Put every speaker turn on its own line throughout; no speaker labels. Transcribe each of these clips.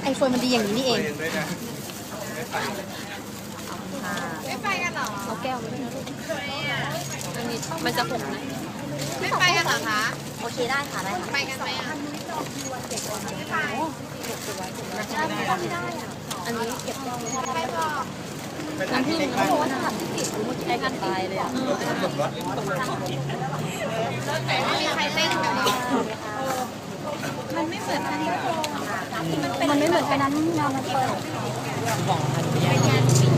ไอโฟนมันดีอย่างนี้นี่เอง
ไม่ไปกันหรอ
เอาแก้วมาด้วยนะลูกอันนี้มันจะหกนะ
ไม่ไปกันหรอคะ
โอเคได้ค่ะได้
ไปกันไหมอ่ะไม่ไป
อันนี้เก็บได้
ใครบอก
น้ำผึ้งเขาบอกว่าถ้าทำที่ติดรู้มันจะได้กันตายเลยอ่ะ
ไม่มีใครเต้นกันเลยมันไม่เหมือนกัน
มันไม่เหมือนกันนั้นงานมันเปิด
เป็นงานปิด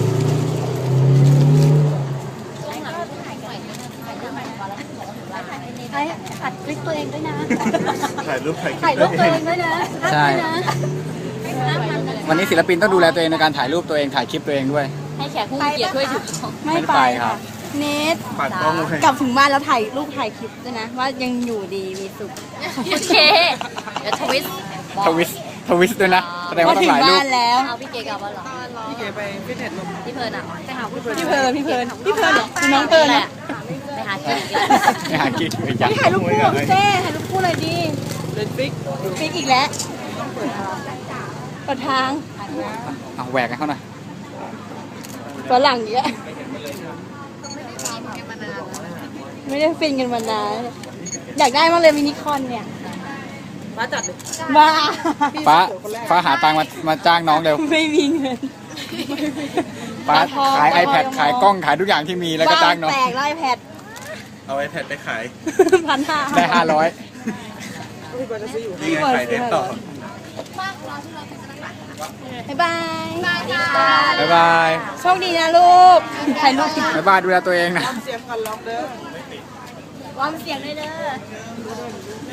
ไอ้อัดคลิปตัวเองด้วยนะ
ถ่ายรูป
ถ่ายรูปตัวเองด้วยนะ
ใช่ วันนี้ศิลปินต้องดูแลตัวเองในการถ่ายรูปตัวเองถ่ายคลิปตัวเองด้วย
ให้แขกผู้มีเกียรติด้วยถูกต้อง
ไม่ไปครับ
เนท
ปัดกล้องเลย
กลับถึงบ้านแล้วถ่ายรูปถ่ายคลิปด้วยนะ ว่ายังอยู่ดีมีสุขโอเคเดี๋ยวทวิส
ทวิสด้วยนะแสดงว่าต้อง
ถึง
ถ่ายรูป
บ้านแล้ว
เอาพี่เกกลับบ้านเหรอ
พี่เก๋ไปฟิตเนสลง
พี่เพลิร์นอ่ะไปหาพี่เพลิร์น
พี่เพลินเหรอน้องเพลิน
แห
นะ
ละไปหาเกก
ไม่หากิ๊กไปจัง
พี่ถ่ายรูปคู่กับพี่เต้ถ่ายรูปคู่เลยดี
เล่นฟิก
ฟิกอีกแล้วเปิดทาง
เอาแหวกให้เขาหน่อย
ฝรั่งเยอะไม่ได้ฟินกันมานานอยากได้มากเลยมินิคอนเนี่ยมาจัดเลยบ้า
ฟ้าหาตังค์มาจ้างน้องเร็ว
ไม่มีเงิน
ฟ้าขาย iPad ขายกล้องขายทุกอย่างที่มีแล้วก็จ้างน้อง
แตกไล่แพด
เอา iPad ไปขาย
1,500
ได้500
นี่ไงขายเด็ดต่อ
บ๊ายบาย
บ๊ายบาย
โชคดีนะลูกถ่ายรูป
บ๊ายบายดูแลตัวเองนะ
วอร์มเสียงเลยเด้อ